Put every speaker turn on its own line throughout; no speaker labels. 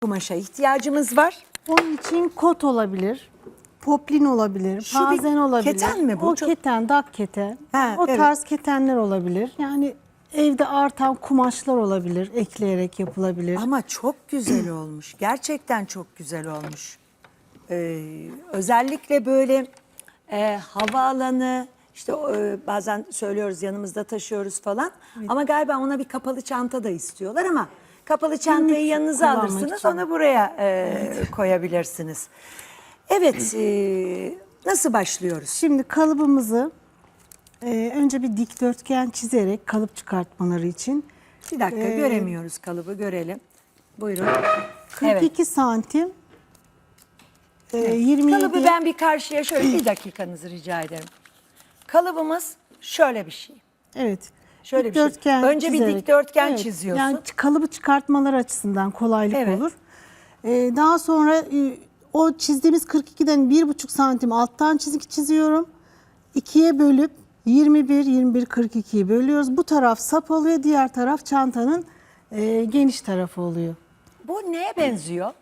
kumaşa ihtiyacımız var.
Onun için kot olabilir, poplin olabilir,
Şu bir
pazen olabilir.
keten mi bu?
O
Çok-
keten, dak keten.
Ha,
o
evet.
tarz ketenler olabilir. Yani evde artan kumaşlar olabilir, ekleyerek yapılabilir.
Ama çok güzel olmuş. Gerçekten çok güzel olmuş. Özellikle böyle havaalanı, işte bazen söylüyoruz yanımızda taşıyoruz falan. Ama galiba ona bir kapalı çanta da istiyorlar ama kapalı çantayı
Günlük
yanınıza
kullanmak
alırsınız,
için.
onu buraya koyabilirsiniz. Evet, nasıl başlıyoruz?
Şimdi kalıbımızı önce bir dikdörtgen çizerek kalıp çıkartmaları için
Bir dakika, göremiyoruz kalıbı, görelim. Buyurun.
42 santim 27
Kalıbı ben bir karşıya şöyle bir dakikanızı rica ederim. Kalıbımız şöyle bir şey.
Evet.
Şöyle bir şey.
Dikdörtgen
Önce bir
çizerek.
dikdörtgen çiziyorsun.
Yani kalıbı çıkartmaları açısından kolaylık
Evet.
olur. Daha sonra o çizdiğimiz 42'den 1,5 santim alttan çizgi çiziyorum. 2'ye bölüp 21 42'yi bölüyoruz. Bu taraf sap oluyor, diğer taraf çantanın geniş tarafı oluyor.
Bu neye benziyor?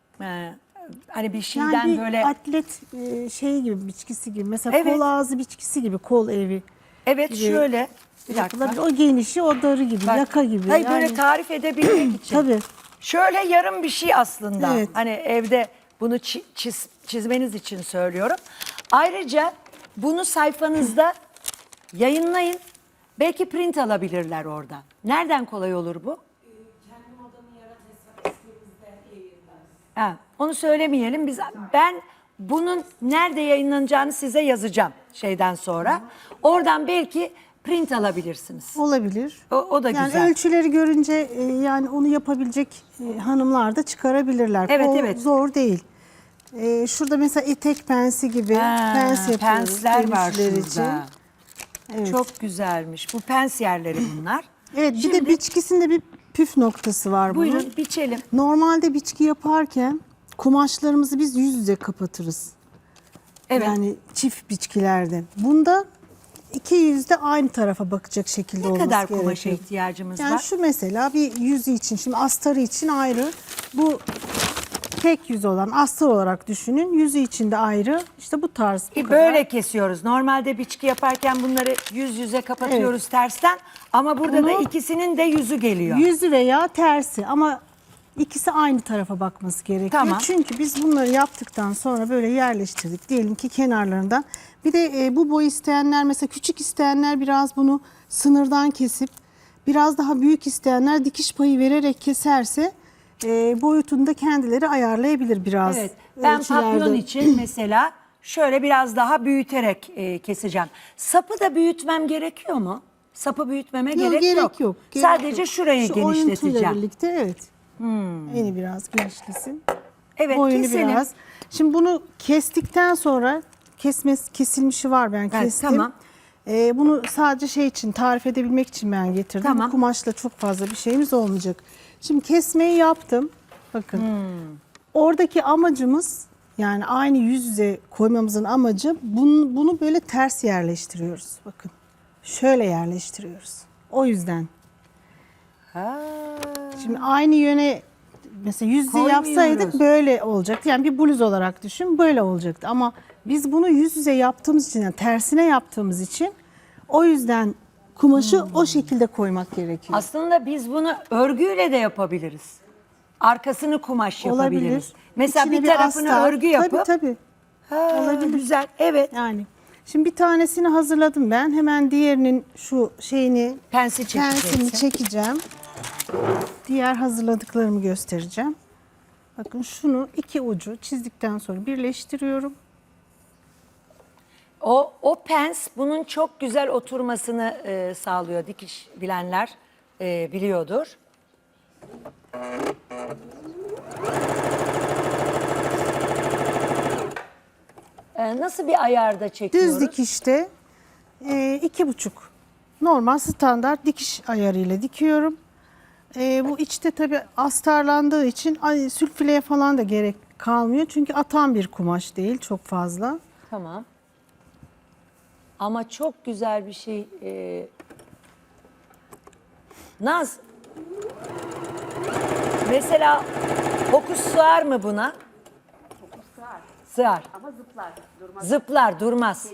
Hani bir şeyden
Yani bir
böyle...
atlet şey gibi, biçkisi gibi. Mesela
Evet.
kol ağzı biçkisi gibi, kol evi.
Evet,
gibi
şöyle. Bir
yapılabilir.
dakika.
O genişi, o darı gibi,
Bak,
yaka gibi.
hayır, böyle
Yani,
tarif edebilmek için.
tabii.
Şöyle yarım bir şey aslında.
Evet.
Hani evde bunu çizmeniz için söylüyorum. Ayrıca bunu sayfanızda yayınlayın. Belki print alabilirler oradan. Nereden kolay olur bu?
Kendi modanı yarat hesap ismimizde yayınlarız.
Ha, onu söylemeyelim. Ben bunun nerede yayınlanacağını size yazacağım şeyden sonra. Oradan belki print alabilirsiniz.
Olabilir.
O da
Yani
güzel.
ölçüleri görünce yani onu yapabilecek hanımlar da çıkarabilirler.
Evet,
O
evet.
zor değil. Şurada mesela etek pensi gibi pens yapıyoruz.
Pensler var
genişler
şurada.
Evet.
Çok güzelmiş. Bu pens yerleri bunlar.
Evet, bir de biçkisinde bir püf noktası var bunun.
Buyurun biçelim.
Normalde biçki yaparken kumaşlarımızı biz yüz yüze kapatırız.
Evet.
Yani çift biçkilerde. Bunda iki yüz de aynı tarafa bakacak şekilde
Ne
olması
kadar
gerekiyor.
kumaşa ihtiyacımız
Yani
var?
şu mesela bir yüzü için, şimdi astarı için ayrı. Bu tek yüz olan astar olarak düşünün. Yüzü için de ayrı. İşte bu tarz. Bu kadar.
Böyle kesiyoruz. Normalde biçki yaparken bunları yüz yüze kapatıyoruz tersten. Ama burada da
Bunu-
ikisinin de yüzü geliyor.
Yüzü veya tersi ama ikisi aynı tarafa bakması gerekiyor.
Tamam.
Çünkü biz bunları yaptıktan sonra böyle yerleştirdik. Diyelim ki kenarlarından. Bir de bu boy isteyenler, mesela küçük isteyenler biraz bunu sınırdan kesip biraz daha büyük isteyenler dikiş payı vererek keserse boyutunu da kendileri ayarlayabilir biraz.
Evet. Ben
Ölçülerde.
papyon için mesela şöyle biraz daha büyüterek keseceğim. Sapı da büyütmem gerekiyor mu? Sapı büyütmeme gerek yok. Sadece
yok.
şurayı
Şu oyuntuyla
genişleteceğim.
birlikte evet. Eni biraz genişlesin.
Evet,
Boyunu
keselim.
biraz. Şimdi bunu kestikten sonra kesilmişi var, ben
Evet,
kestim.
tamam.
Bunu sadece şey için, tarif edebilmek için ben getirdim.
Tamam.
Bu kumaşla çok fazla bir şeyimiz olmayacak. Şimdi kesmeyi yaptım. Bakın. Oradaki amacımız, yani aynı yüz yüze koymamızın amacı bunu böyle ters yerleştiriyoruz. Bakın. Şöyle yerleştiriyoruz. O yüzden.
Ha.
Şimdi aynı yöne mesela yüz yüze
Koymuyoruz.
yapsaydık böyle olacaktı. Yani bir bluz olarak düşün, böyle olacaktı. Ama biz bunu yüz yüze yaptığımız için, yani tersine yaptığımız için, o yüzden kumaşı o şekilde koymak gerekiyor.
Aslında biz bunu örgüyle de yapabiliriz. Arkasını kumaş yapabiliriz.
Olabilir.
Mesela
İçine
bir tarafını
astar.
örgü yapıp.
Tabii.
Ha,
olabilir.
Güzel. Evet.
Yani şimdi bir tanesini hazırladım ben. Hemen diğerinin şu şeyini,
Pensi
pensini
çekeceksin.
çekeceğim. Diğer hazırladıklarımı göstereceğim. Bakın şunu iki ucu çizdikten sonra birleştiriyorum.
O pens bunun çok güzel oturmasını sağlıyor. Dikiş bilenler biliyordur. Nasıl bir ayarda çekiyoruz?
Düz dikişte 2,5 normal standart dikiş ayarıyla dikiyorum. Bu içte tabii astarlandığı için sülfileye falan da gerek kalmıyor. Çünkü atan bir kumaş değil çok fazla.
Tamam. Ama çok güzel bir şey. Naz. Mesela Fokus sığar mı buna?
Sığar
Sığar.
ama zıplar. Durmaz.
Zıplar, durmaz.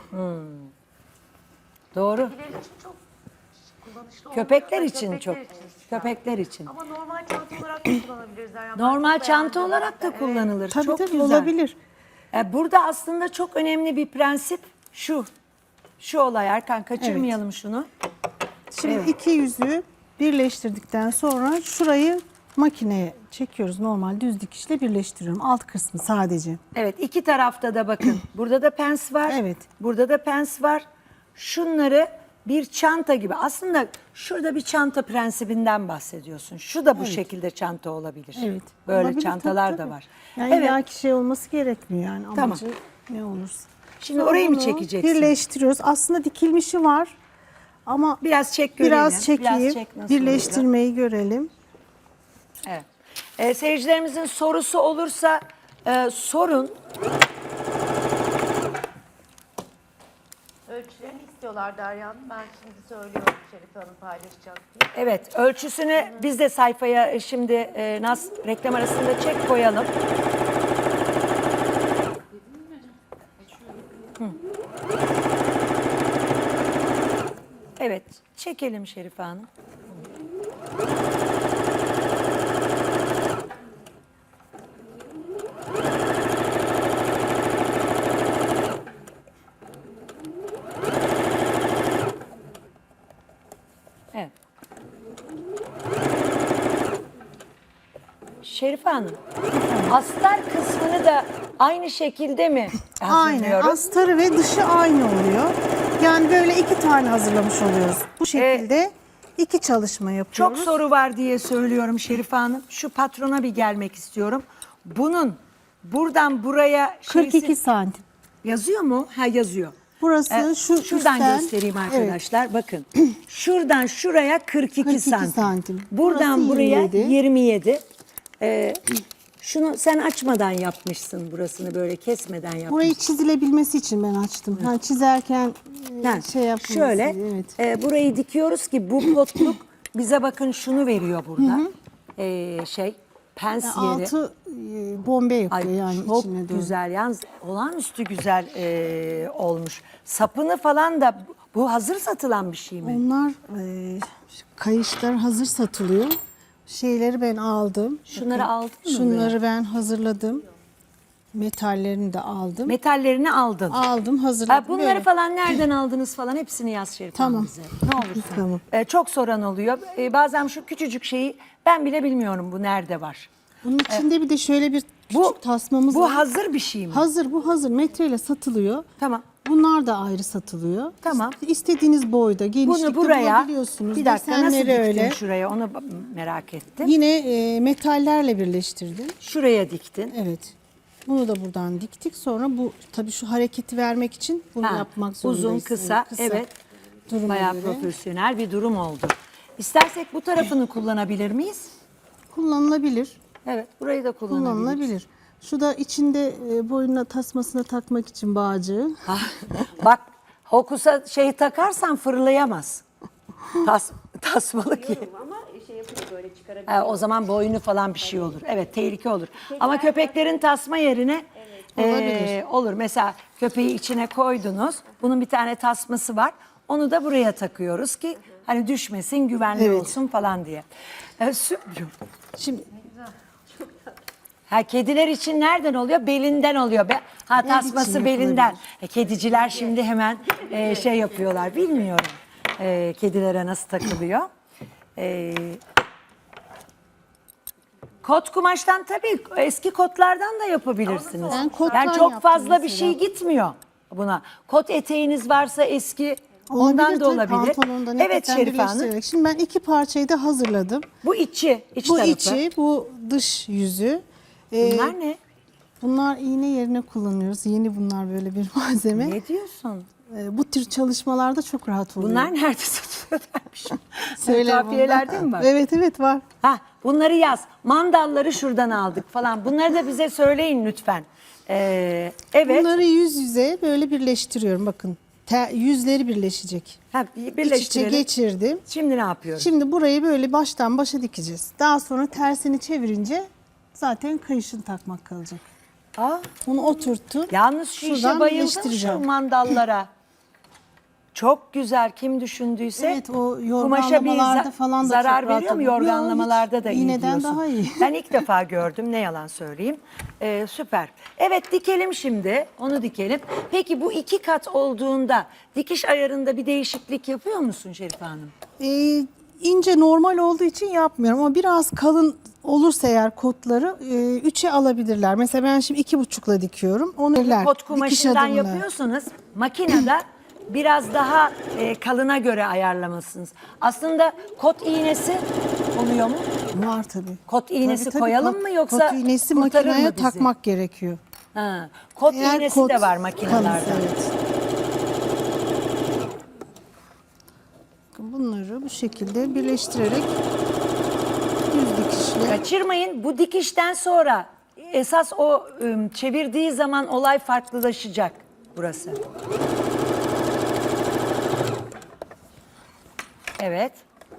Doğru.
Kediler için çok kullanışlı olmuyor.
Köpekler
Ha,
için çok.
için işte.
Köpekler için.
Ama normal çanta olarak da kullanabiliriz. Yani
Normal
çok
çanta
beğendim.
olarak da
Evet.
kullanılır.
Tabii
çok
tabii
güzel.
olabilir.
Burada aslında çok önemli bir prensip şu. Şu olay Erkan, kaçırmayalım şunu.
Şimdi
Evet.
iki yüzüğü birleştirdikten sonra şurayı makineye çekiyoruz. Normal düz dikişle birleştiriyorum. Alt kısmı sadece.
Evet, iki tarafta da bakın. Burada da pens var.
Evet.
Burada da pens var. Şunları bir çanta gibi. Aslında şurada bir çanta prensibinden bahsediyorsun. Şu da bu şekilde çanta olabilir.
Evet.
Böyle
Olabilir,
çantalar
tabii,
da
tabii.
var.
Yani
evet.
illaki şey olması gerekmiyor yani.
Tamam.
Amacı ne olursa.
Şimdi
Sonra
orayı mı
bunu
çekeceksin?
Birleştiriyoruz. Aslında dikilmişi var ama
Biraz çek görelim.
biraz çekeyim.
çek nasıl
Birleştirmeyi görelim.
olacak. Evet. Seyircilerimizin sorusu olursa sorun.
Ölçülerini istiyorlar Derya Hanım. Ben şimdi söylüyorum Şerife Hanım paylaşacak diye.
Evet, ölçüsünü biz de sayfaya şimdi Naz reklam arasında çek koyalım. Hı. Evet, çekelim Şerife Hanım. Evet. Şerife Hanım, astar kısmını da aynı şekilde mi
Aynen.
hazırlıyoruz?
Astarı ve dışı aynı oluyor. Yani böyle iki tane hazırlamış oluyoruz. Bu şekilde iki çalışma
Çok
yapıyoruz.
soru var diye söylüyorum Şerife Hanım. Şu patrona bir gelmek istiyorum. Bunun buradan buraya
42 santim.
yazıyor mu? Ha, yazıyor.
Burası şu
Şuradan
üstten-
göstereyim
Evet.
arkadaşlar. Bakın. Şuradan şuraya 42
42
santim.
santim.
Buradan
Burası
buraya
27.
27. Şunu sen açmadan yapmışsın, burasını böyle kesmeden yapmışsın.
Burayı çizilebilmesi için ben açtım. Yani çizerken
Ha,
şey yapılması
şöyle
diye, evet.
burayı dikiyoruz ki bu potluk bize bakın şunu veriyor burada. Pens yeri.
Altı bombe yapıyor
Ay,
yani
çok
içine doğru.
güzel. Yalnız olağanüstü güzel olmuş. Sapını falan da bu hazır satılan bir şey mi?
Onlar kayışlar hazır satılıyor. Şeyleri ben aldım.
Şunları aldın mı?
Şunları ben hazırladım. Metallerini de aldım.
Metallerini aldın.
Aldım, hazırladım.
Ha, bunları
böyle.
falan nereden aldınız falan hepsini yaz Şerif Hanım
Tamam.
bize. Ne olursun.
Tamam.
Çok soran oluyor. Bazen şu küçücük şeyi ben bile bilmiyorum bu nerede var.
Bunun içinde bir de şöyle bir küçük tasmamız
Bu
var.
hazır bir şey mi?
Hazır, bu hazır. Metreyle satılıyor.
Tamam.
Bunlar da ayrı satılıyor.
Tamam.
İstediğiniz boyda, genişlikte
Bunu buraya
bulabiliyorsunuz.
bir dakika nasıl
Desenleri
diktin
öyle.
şuraya onu merak ettim.
Yine metallerle birleştirdim.
Şuraya diktin.
Evet. Bunu da buradan diktik. Sonra bu tabii şu hareketi vermek için bunu
Ha,
yapmak zorundayız.
uzun, kısa, evet.
Duruma
Bayağı
göre.
profesyonel bir durum oldu. İstersek bu tarafını kullanabilir miyiz?
Kullanılabilir.
Evet, burayı da kullanabiliriz.
Kullanılabilir. Şu da içinde boynuna tasmasına takmak için bağcığı.
Bak, hokusa şey takarsan fırlayamaz. Tasmalı ki.
Ama şey yapıyor böyle çıkarabiliyor.
O zaman boynu falan bir şey olur. Evet, tehlike olur. Ama köpeklerin tasma yerine
Olabilir.
olur. Mesela köpeği içine koydunuz. Bunun bir tane tasması var. Onu da buraya takıyoruz ki hani düşmesin, güvenli
Evet.
olsun falan diye. Süper.
Şimdi
Ha, kediler için nereden oluyor? Belinden oluyor. Ha, tasması
için
belinden. Kediciler şimdi hemen şey yapıyorlar. Bilmiyorum kedilere nasıl takılıyor. Kot kumaştan tabii eski kotlardan da yapabilirsiniz.
Ben kottan
Yani çok
yaptım
fazla bir
mesela.
şey gitmiyor buna. Kot eteğiniz varsa eski ondan
olabilir
da
tabii,
olabilir.
pantolondan
Evet
hakikaten
Şerife Hanım.
birleştirerek. Şimdi ben iki parçayı da hazırladım.
Bu iç
Bu
tarafı.
içi, bu dış yüzü.
Bunlar ne?
Bunlar iğne yerine kullanıyoruz. Yeni bunlar böyle bir malzeme.
Ne diyorsun?
Bu tür çalışmalarda çok rahat oluyor.
Bunlar nerede satılıyor dermiş.
Söyle
Kafiyelerde
bunlar.
mi var?
Evet evet var.
Ha, bunları yaz. Mandalları şuradan aldık falan. Bunları da bize söyleyin lütfen. Evet.
Bunları yüz yüze böyle birleştiriyorum. Bakın yüzleri birleşecek.
Ha,
İç içe
birleştirelim.
geçirdim.
Şimdi ne yapıyoruz?
Şimdi burayı böyle baştan başa dikeceğiz. Daha sonra tersini çevirince Zaten kayışını takmak kalacak.
Aa,
Onu oturttum.
yalnız şu işe
Şuradan
bayıldım, şu
birleştireceğim.
mandallara. Çok güzel, kim düşündüyse.
Evet, o
kumaşa bir
yorganlamalarda falan da
zarar
çok rahat
veriyor mu?
oluyor. Yok,
Yorganlamalarda
hiç.
da iyi
İğneden
diyorsun.
daha iyi.
Ben ilk defa gördüm, ne yalan söyleyeyim. Süper. Evet, dikelim şimdi, onu dikelim. Peki bu 2 kat olduğunda dikiş ayarında bir değişiklik yapıyor musun Şerife Hanım?
İnce normal olduğu için yapmıyorum ama biraz kalın olursa eğer kotları 3'e alabilirler. Mesela ben şimdi 2,5'la dikiyorum. Onu
Kot
dikiş
kumaşından
adımını.
yapıyorsunuz. Makinede biraz daha kalına göre ayarlamalısınız. Aslında kot iğnesi oluyor mu?
Var tabii.
Kot iğnesi
Tabii,
koyalım
kot-
mı yoksa
kot iğnesi
kurtarır
makineye
mı bizi?
takmak gerekiyor.
Ha, kot
Eğer
iğnesi
kot
de var
kalınsa,
makinelerde.
evet. Bunları bu şekilde birleştirerek düz dikişle.
Kaçırmayın, bu dikişten sonra esas o çevirdiği zaman olay farklılaşacak burası. Evet.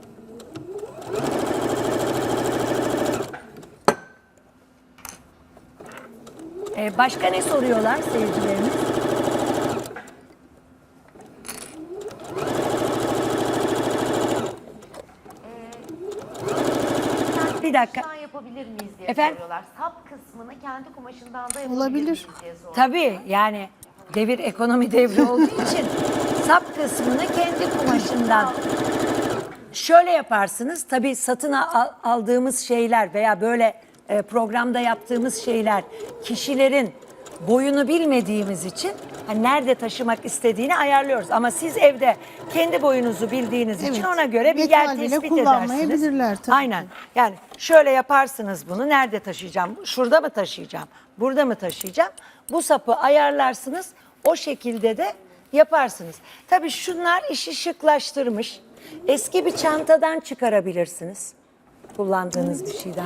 Başka ne soruyorlar seyircilerimiz? Bir dakika.
Kumaşından yapabilir miyiz diye
Efendim?
soruyorlar. Sap kısmını kendi kumaşından da yapabilir
Olabilir.
miyiz diye soruyorlar.
Tabii, yani devir ekonomi devri olduğu için sap kısmını kendi kumaşından şöyle yaparsınız. Tabii satın aldığımız şeyler veya böyle programda yaptığımız şeyler kişilerin boyunu bilmediğimiz için hani nerede taşımak istediğini ayarlıyoruz. Ama siz evde kendi boyunuzu bildiğiniz için
Evet.
ona göre bir
Metal
yer
bile
tespit
kullanmayabilirler
edersiniz.
tabii
Aynen. Yani şöyle yaparsınız bunu. Nerede taşıyacağım? Şurada mı taşıyacağım? Burada mı taşıyacağım? Bu sapı ayarlarsınız. O şekilde de yaparsınız. Tabii şunlar işi şıklaştırmış. Eski bir çantadan çıkarabilirsiniz. Kullandığınız bir şeyden.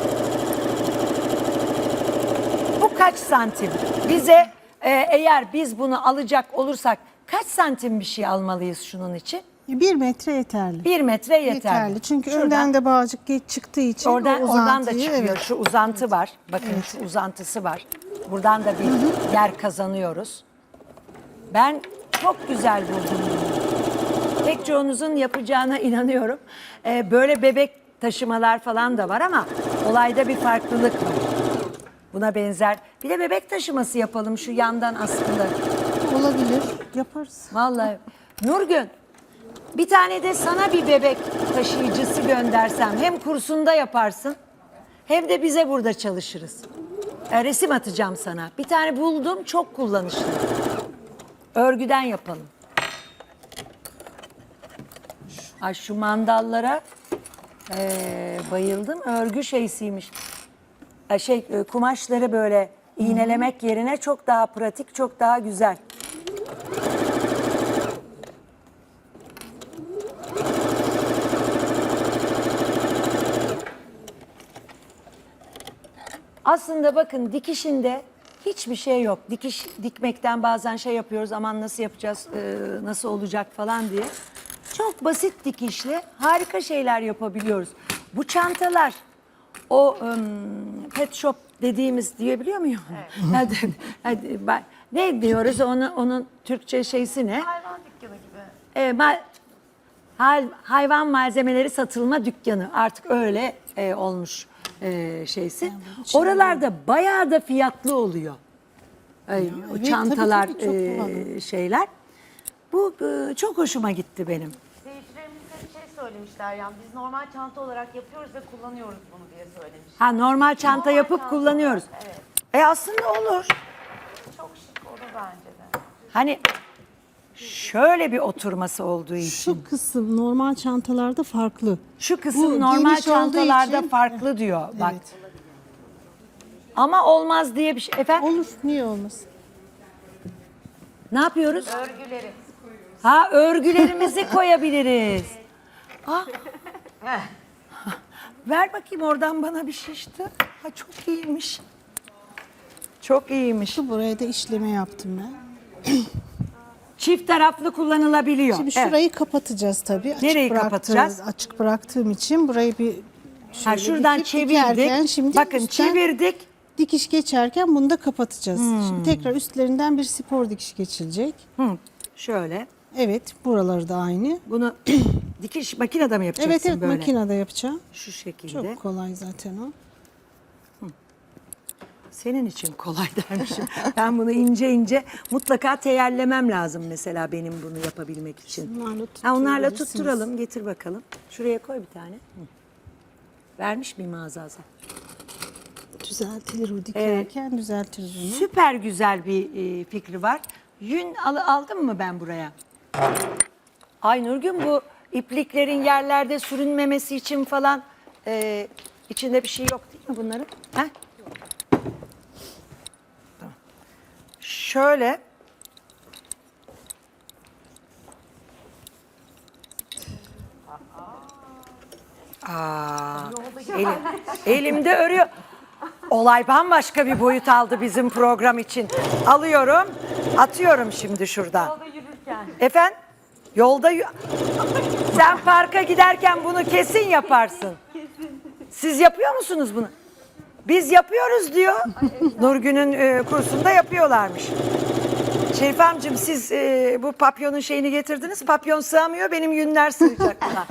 Bu kaç santim? Bize eğer biz bunu alacak olursak kaç santim bir şey almalıyız şunun için?
1 metre yeterli.
1 metre yeterli.
Yeterli. Çünkü
Şuradan-
önden de bağcık geç çıktığı için
Oradan da
uzantıyı,
çıkıyor.
evet.
Şu uzantı var. Bakın şu uzantısı var. Buradan da bir yer kazanıyoruz. Ben çok güzel buldum bunu. Pek çoğunuzun yapacağına inanıyorum. Böyle bebek taşımalar falan da var ama olayda bir farklılık var. Buna benzer. Bir de bebek taşıması yapalım şu yandan aslında.
Olabilir. Yaparız.
Vallahi Nurgün, bir tane de sana bir bebek taşıyıcısı göndersem hem kursunda yaparsın hem de bize burada çalışırız. Resim atacağım sana. Bir tane buldum, çok kullanışlı. Örgüden yapalım. Ay şu mandallara bayıldım. Örgü şeysiymiş. Kumaşları böyle iğnelemek yerine çok daha pratik, çok daha güzel. Aslında bakın dikişinde hiçbir şey yok. Dikiş dikmekten bazen şey yapıyoruz, aman nasıl yapacağız, nasıl olacak falan diye. Çok basit dikişle harika şeyler yapabiliyoruz. Bu çantalar o pet shop dediğimiz diyebiliyor muyum? Ne diyoruz onun Türkçe şeysi ne?
Hayvan dükkanı gibi.
Hayvan malzemeleri satılma dükkanı artık öyle olmuş şeysi. Oralarda bayağı da fiyatlı oluyor. O
evet,
çantalar
tabii, çok pahalı.
şeyler. Bu çok hoşuma gitti benim.
Seyircilerimiz de bir şey söylemişler yani biz normal çanta olarak yapıyoruz ve kullanıyoruz bunu diye söylemiş.
Ha, normal çanta
Normal
yapıp
çanta
kullanıyoruz.
olarak, evet.
Aslında olur.
Çok şık olur bence de.
Hani şöyle bir oturması olduğu için.
Şu kısım normal çantalarda farklı.
Şu
Bu
kısım normal
geniş olduğu
çantalarda
için-
farklı diyor. Bak.
Evet.
Ama olmaz diye bir şey. Efendim
Olur. Niye olmasın?
ne yapıyoruz?
Örgüleri.
Ha, örgülerimizi koyabiliriz. Ah. Ver bakayım oradan bana bir şişti. Ha, çok iyiymiş. Çok iyiymiş.
Şu buraya da işleme yaptım ben.
Çift taraflı kullanılabiliyor.
Şimdi
Evet.
şurayı kapatacağız tabii.
Nereyi kapatacağız?
Açık bıraktığım için burayı bir
Ha, şuradan
dikip dikerken
çevirdik.
şimdi
Bakın
üstten
çevirdik.
dikiş geçerken bunu da kapatacağız. Şimdi tekrar üstlerinden bir spor dikiş geçilecek.
Şöyle.
Evet, buraları da aynı.
Bunu dikiş makinede mi yapacaksın
Evet evet
böyle?
makinede yapacağım.
Şu şekilde.
Çok kolay zaten o.
Senin için kolay dermişim. Ben bunu ince ince mutlaka teyellemem lazım mesela benim bunu yapabilmek için.
Onlarla
Onlarla
tutturabilirsiniz.
tutturalım. Getir bakalım. Şuraya koy bir tane. Vermiş miyim Azaza?
Düzeltilir o dikerken düzeltiriz onu.
Süper güzel bir fikri var. Yün aldım mı ben buraya? Ay Nurgün, bu ipliklerin yerlerde sürünmemesi için falan içinde bir şey yok değil mi bunların? Heh? Tamam. Şöyle. Elimde örüyor. Olay bambaşka bir boyut aldı bizim program için. Alıyorum, atıyorum şimdi şuradan.
Yolda yürürken.
Efendim? Yolda sen parka giderken bunu kesin yaparsın. Siz yapıyor musunuz bunu? Biz yapıyoruz diyor. Nurgün'ün kursunda yapıyorlarmış. Şerif amcım, siz bu papyonun şeyini getirdiniz. Papyon sığamıyor, benim yünler sığacak buna.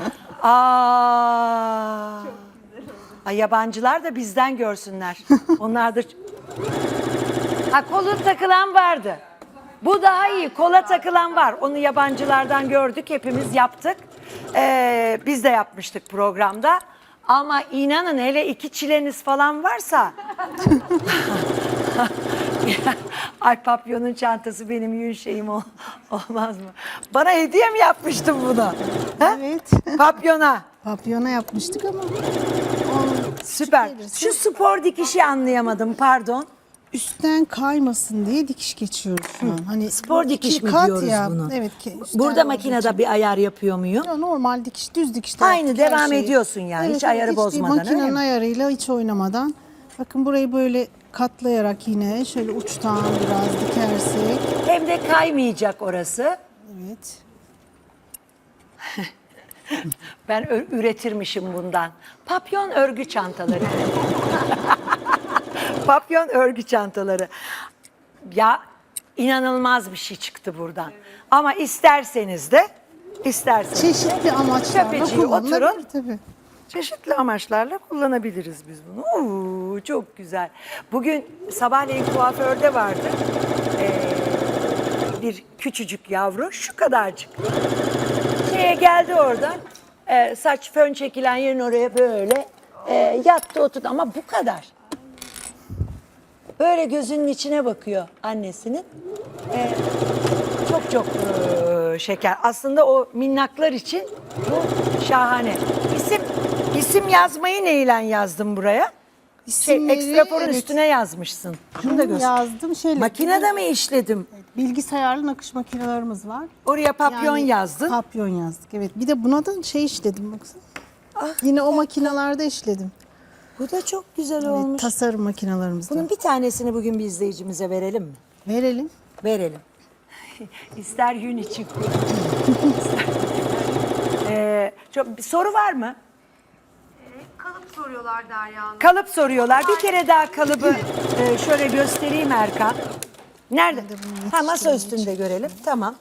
Ay, yabancılar da bizden görsünler. Onlar da... Ha, kolu takılan vardı. Bu daha iyi. Kola takılan var. Onu yabancılardan gördük. Hepimiz yaptık. Biz de yapmıştık programda. Ama inanın, hele iki çileniz falan varsa... Ay, papyonun çantası benim yün şeyim olmaz mı? Bana hediye mi yapmıştın bunu? Ha?
Evet.
Papyona.
Papyona yapmıştık ama
Süper. Şu spor dikişi anlayamadım, pardon.
üstten kaymasın diye dikiş geçiyoruz şu an. Hani
Spor
bu
dikiş
iki
mi
kat
diyoruz
ya.
bunu?
Evet ki. üstten
Burada
olduğu
makinede
için.
bir ayar yapıyor muyum?
Ya normal dikiş, düz dikişte
Aynı,
yaptık her
devam
şeyi.
ediyorsun yani, hiç ayarı
değil,
bozmadan, öyle
Makinenin
mi?
ayarıyla hiç oynamadan. Bakın burayı böyle katlayarak yine şöyle uçtan biraz dikersek.
Hem de kaymayacak orası.
Evet.
Ben üretirmişim bundan. Papyon örgü çantaları. Papyon örgü çantaları. Ya, inanılmaz bir şey çıktı buradan. Ama isterseniz de
Çeşitli amaçlarla
Köpeciği
kullanılabilir
oturun.
tabii.
çeşitli amaçlarla kullanabiliriz biz bunu. Oo, çok güzel. Bugün sabahleyin kuaförde vardı. Bir küçücük yavru, şu kadarcık. Şeye geldi oradan. Saç fön çekilen yerin oraya böyle yattı oturdu ama bu kadar. Böyle gözünün içine bakıyor annesinin. Çok şeker. Aslında o minnaklar için bu şahane. İsim yazmayı neyle yazdım buraya?
İsimleri,
Ekstraforun
evet,
üstüne yazmışsın. Şunu da göster.
yazdım. Şeyle,
Makinede mi işledim?
bilgisayarlı nakış makinelerimiz var.
Oraya papyon
Yani
yazdın.
Papyon yazdık. Evet. Bir de buna da şey işledim baksana.
Ah,
Yine o makinalarda işledim.
Bu da çok güzel
Evet,
olmuş.
tasarım makinalarımızda.
Bunun bir tanesini bugün bir izleyicimize verelim mi?
Verelim.
Verelim. İster yün için kullan. Çok bir soru var mı?
Kalıp soruyorlar Derya Hanım.
Kalıp soruyorlar. Bir kere daha kalıbı şöyle göstereyim Erkan. Nerede? Ha, masa üstünde görelim. Tamam.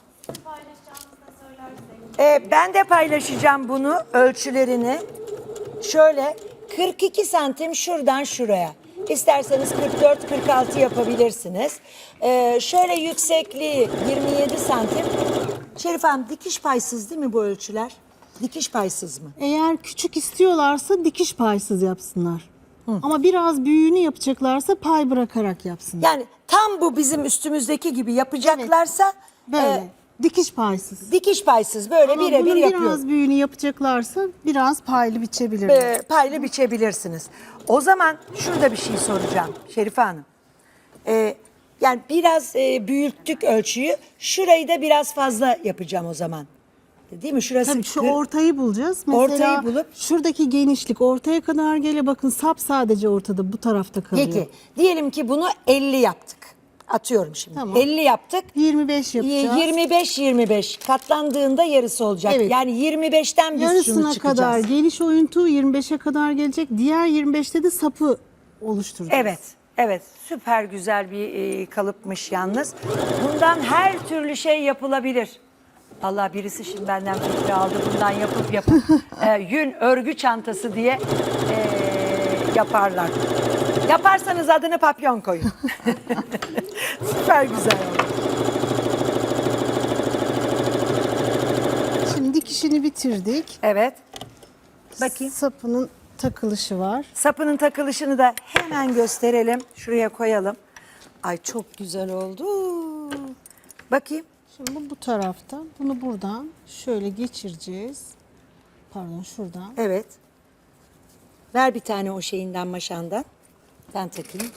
Ben de paylaşacağım bunu, ölçülerini. Şöyle 42 santim şuradan şuraya. İsterseniz 44-46 yapabilirsiniz. Şöyle yüksekliği 27 santim. Şerif Hanım, dikiş paysız değil mi bu ölçüler? Dikiş paysız mı?
Eğer küçük istiyorlarsa dikiş paysız yapsınlar. Ama biraz büyüğünü yapacaklarsa pay bırakarak yapsınlar.
Yani tam bu bizim üstümüzdeki gibi yapacaklarsa
Böyle. Dikiş paysız.
dikiş paysız böyle
Ama
birebir
bunun
yapıyor.
biraz büyüğünü yapacaklarsa biraz paylı biçebilirler.
Paylı biçebilirsiniz. O zaman şurada bir şey soracağım Şerife Hanım. Yani biraz büyüttük ölçüyü. Şurayı da biraz fazla yapacağım o zaman. Değil mi? Şurası
Tabii şu ortayı bulacağız. Mesela
Ortayı bulup-
şuradaki genişlik ortaya kadar gele bakın, sap sadece ortada bu tarafta kalıyor.
Peki diyelim ki bunu 50 yaptık. Atıyorum şimdi.
Tamam.
50 yaptık.
25 yapacağız.
25 katlandığında yarısı olacak.
Evet.
Yani 25'ten biz şunu
Yarısına
çıkacağız.
kadar geniş oyuntu 25'e kadar gelecek. Diğer 25'te de sapı oluşturacağız.
Evet, evet. Süper güzel bir kalıpmış yalnız. Bundan her türlü şey yapılabilir. Allah birisi şimdi benden fikri aldı. Bundan yapıp yün örgü çantası diye yaparlar. Yaparsanız adını papyon koyun. Süper güzel oldu.
Şimdi dikişini bitirdik.
Evet. Bakayım.
Sapının takılışı var.
Sapının takılışını da hemen gösterelim. Şuraya koyalım. Ay çok güzel oldu. Bakayım.
Şimdi bu tarafta. Bunu buradan şöyle geçireceğiz. Pardon şuradan.
Evet. Ver bir tane o şeyinden maşandan. Ben takayım.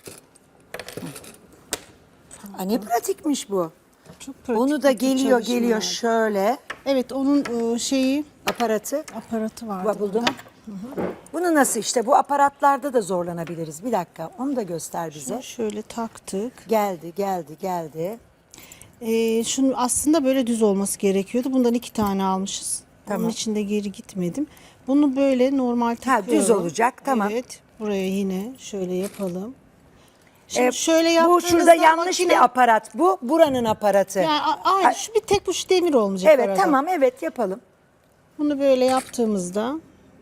Aa, ne pratikmiş bu.
Çok pratik
Onu da
bir
geliyor
çalışma.
şöyle
Evet onun şeyi
aparatı.
aparatı vardı.
Buldum.
burada.
Bunu nasıl işte bu aparatlarda da zorlanabiliriz. Bir dakika onu da göster bize.
Şunu şöyle taktık.
Geldi.
Şunu aslında böyle düz olması gerekiyordu. Bundan 2 tane almışız.
Tamam.
Onun içinde geri gitmedim. Bunu böyle normal takıyorum.
düz olacak, tamam.
Evet. Buraya yine şöyle yapalım. Şimdi şöyle
Bu
yaptığınızda
şurada yanlış
makine-
bir aparat. Bu buranın aparatı.
Yani aynı şu bir tek bu şu demir olmayacak
Evet
arada.
tamam evet yapalım.
Bunu böyle yaptığımızda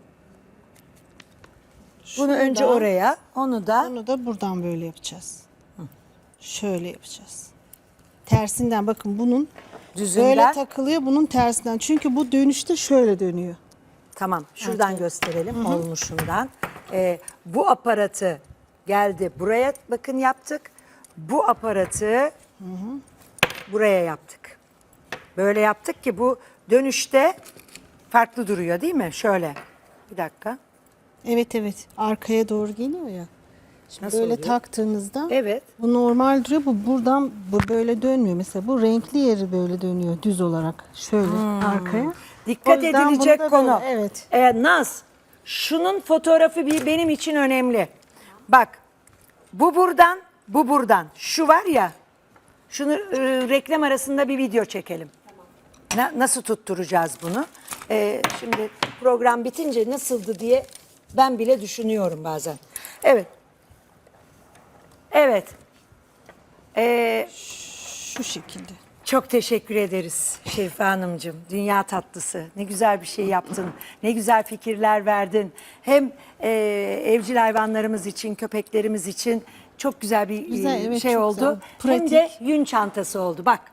Bunu önce
şuradan,
oraya, onu da
Onu da buradan böyle yapacağız. Şöyle yapacağız. Tersinden bakın bunun
düzünden.
böyle takılıyor bunun tersinden. Çünkü bu dönüşte şöyle dönüyor.
Tamam şuradan gösterelim olmuşundan. Bu aparatı geldi buraya bakın yaptık. Bu aparatı buraya yaptık. Böyle yaptık ki bu dönüşte farklı duruyor değil mi? Şöyle bir dakika.
Evet arkaya doğru geliyor ya. Şimdi
Nasıl
böyle
oluyor?
taktığınızda
Evet.
bu normal duruyor. Bu buradan bu böyle dönmüyor. Mesela bu renkli yeri böyle dönüyor düz olarak. Şöyle arkaya.
Dikkat
O yüzden bunu
edilecek
da
konu.
böyle, evet.
Naz, şunun fotoğrafı benim için önemli. Bak, bu buradan. Şu var ya, şunu reklam arasında bir video çekelim. Nasıl tutturacağız bunu? Şimdi program bitince nasıldı diye ben bile düşünüyorum bazen. Evet.
Şu şekilde.
Çok teşekkür ederiz Şerife Hanımcığım. Dünya tatlısı. Ne güzel bir şey yaptın. Ne güzel fikirler verdin. Hem evcil hayvanlarımız için, köpeklerimiz için çok güzel bir
Güzel, evet,
şey
çok
oldu.
güzel.
Hem
Pratik.
de yün çantası oldu. Bak